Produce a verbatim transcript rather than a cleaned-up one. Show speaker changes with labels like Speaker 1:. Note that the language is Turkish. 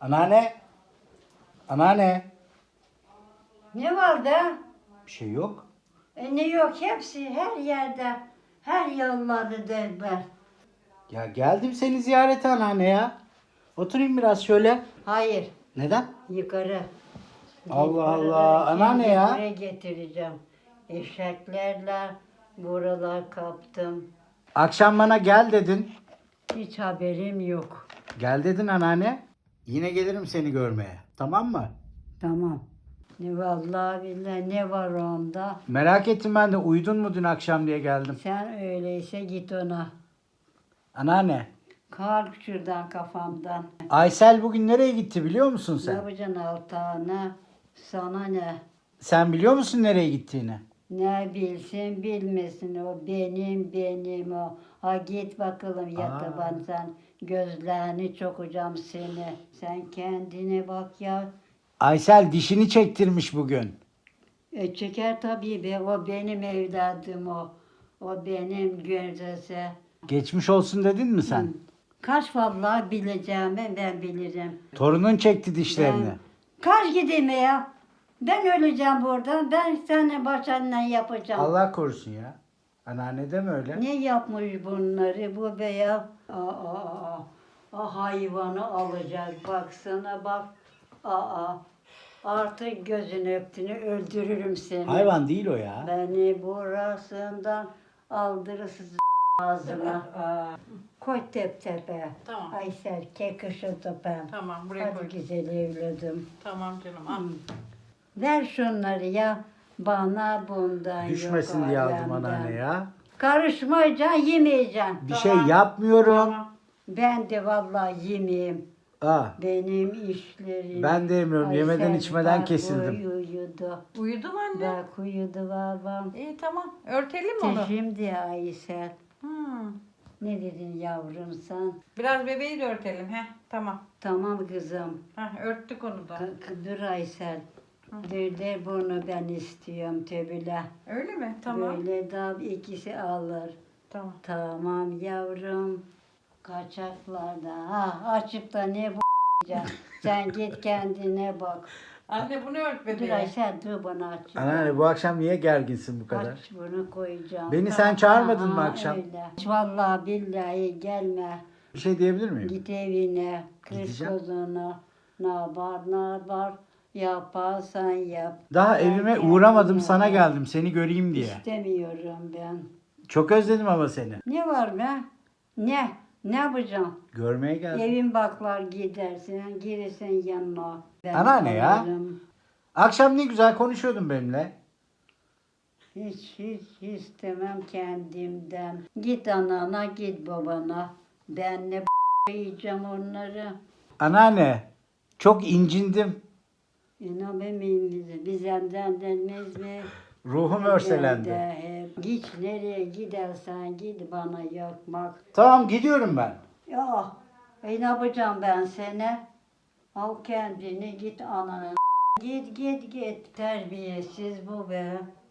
Speaker 1: Anneanne. Anneanne.
Speaker 2: Ne var da?
Speaker 1: Bir şey yok.
Speaker 2: E ne yok, hepsi her yerde. Her yolları derler.
Speaker 1: Ya geldim seni ziyarete anneanne ya. Oturayım biraz şöyle.
Speaker 2: Hayır,
Speaker 1: Neden?
Speaker 2: yukarı.
Speaker 1: Allah
Speaker 2: Yukarıdan
Speaker 1: Allah, anneanne
Speaker 2: şimdi
Speaker 1: ya.
Speaker 2: buraya getireceğim. Eşeklerle buralar kaptım.
Speaker 1: Akşam bana gel dedin.
Speaker 2: Hiç haberim yok.
Speaker 1: Gel dedin anneanne. Yine gelirim seni görmeye. Tamam mı?
Speaker 2: Tamam. Ne vallahi billahi ne var onda?
Speaker 1: Merak ettim ben de, uyudun mu dün akşam diye geldim.
Speaker 2: Sen öyleyse git ona.
Speaker 1: Anneanne.
Speaker 2: Kalk şuradan kafamdan.
Speaker 1: Aysel bugün nereye gitti biliyor musun
Speaker 2: Ne
Speaker 1: sen?
Speaker 2: yapacaksın altağına? Sana ne?
Speaker 1: Sen biliyor musun nereye gittiğini?
Speaker 2: Ne bilsin bilmesin, o benim benim o. Ha git bakalım
Speaker 1: Aa.
Speaker 2: yataban sen. Gözlerini çokacağım seni. Sen kendine bak ya.
Speaker 1: Aysel dişini çektirmiş bugün.
Speaker 2: E çeker tabii be, o benim evladım o. O benim gözese.
Speaker 1: Geçmiş olsun dedin mi sen?
Speaker 2: Kaç vallahi bileceğim ben, ben bilirim.
Speaker 1: Torunun çekti dişlerini.
Speaker 2: Ben, kaç gideyim ya? Ben öleceğim buradan. Ben seninle başından yapacağım.
Speaker 1: Allah korusun ya. Anneanne deme öyle.
Speaker 2: Ne yapmış bunları bu beyaz? Aa, aa, aa. O hayvanı alacak. Baksana bak. Aa, artık gözünü öptüğünü öldürürüm seni.
Speaker 1: Hayvan değil o ya.
Speaker 2: Beni burasından aldırırsın ağzına. Koy tep tepe.
Speaker 3: Tamam.
Speaker 2: Aysel kek ışıltı ben.
Speaker 3: Tamam, buraya koy.
Speaker 2: Hadi güzel evladım.
Speaker 3: Tamam canım, al.
Speaker 2: Ver şunları ya. Bana bundan
Speaker 1: Düşmesin
Speaker 2: yok
Speaker 1: diye aldım
Speaker 2: alemden.
Speaker 1: anneanne ya.
Speaker 2: Karışmayacaksın, yemeyeceksin.
Speaker 1: Bir
Speaker 3: Tamam.
Speaker 1: şey yapmıyorum.
Speaker 3: Tamam.
Speaker 2: Ben de vallahi yemeyeyim.
Speaker 1: Aa,
Speaker 2: Benim işlerim.
Speaker 1: ben de yemiyorum. Yemeden
Speaker 2: Aysel
Speaker 1: içmeden
Speaker 2: bak
Speaker 1: kesildim.
Speaker 2: Uyudu.
Speaker 3: Uyudu mu anne?
Speaker 2: Bak uyudu babam.
Speaker 3: İyi tamam. Örtelim mi onu?
Speaker 2: Şimdi Aysel.
Speaker 3: Hmm.
Speaker 2: Ne dedin yavrum sen?
Speaker 3: Biraz bebeği de örtelim. Heh, tamam.
Speaker 2: Tamam kızım.
Speaker 3: Heh, örttük onu da.
Speaker 2: K- k- dur Aysel. Dur de bunu ben istiyorum tebile.
Speaker 3: Öyle mi? Tamam.
Speaker 2: Böyle daha ikisi alır.
Speaker 3: Tamam.
Speaker 2: Tamam yavrum. Kaçaklarda. Ha açıkta ne bu sen git kendine bak.
Speaker 3: Anne bunu ört
Speaker 2: Dur
Speaker 3: bebeğe.
Speaker 2: Aysel dur bana aç.
Speaker 1: Anneanne bu akşam niye gerginsin bu kadar?
Speaker 2: Aç bunu koyacağım.
Speaker 1: Beni sen çağırmadın mı
Speaker 2: Aa,
Speaker 1: akşam?
Speaker 2: Öyle. Vallahi billahi gelme.
Speaker 1: Bir şey diyebilir miyim?
Speaker 2: Git evine. Kız
Speaker 1: Gideceğim.
Speaker 2: kozunu. Ne var ne var. Yaparsan yap.
Speaker 1: Daha
Speaker 2: Ben
Speaker 1: evime
Speaker 2: kendime
Speaker 1: uğramadım, sana
Speaker 2: bak.
Speaker 1: geldim seni göreyim diye.
Speaker 2: İstemiyorum ben.
Speaker 1: Çok özledim ama seni.
Speaker 2: Ne var be? Ne? Ne yapacağım?
Speaker 1: Görmeye geldim.
Speaker 2: Evin baklar gidersin, gelirsin yanına. Ben
Speaker 1: Anneanne ya.
Speaker 2: alırım.
Speaker 1: Akşam ne güzel konuşuyordun benimle.
Speaker 2: Hiç hiç istemem kendimden. Git anana, git babana. Ben ne b- yiyeceğim onları.
Speaker 1: Anneanne çok incindim.
Speaker 2: İnan benim bizden denmez mi?
Speaker 1: Ruhum
Speaker 2: Ben
Speaker 1: örselendi.
Speaker 2: de hep. Git nereye gidersen git bana yakmak.
Speaker 1: Tamam gidiyorum ben.
Speaker 2: Ya e ne yapacağım ben seni? Al kendini git ananın. Git git git. Terbiyesiz bu be.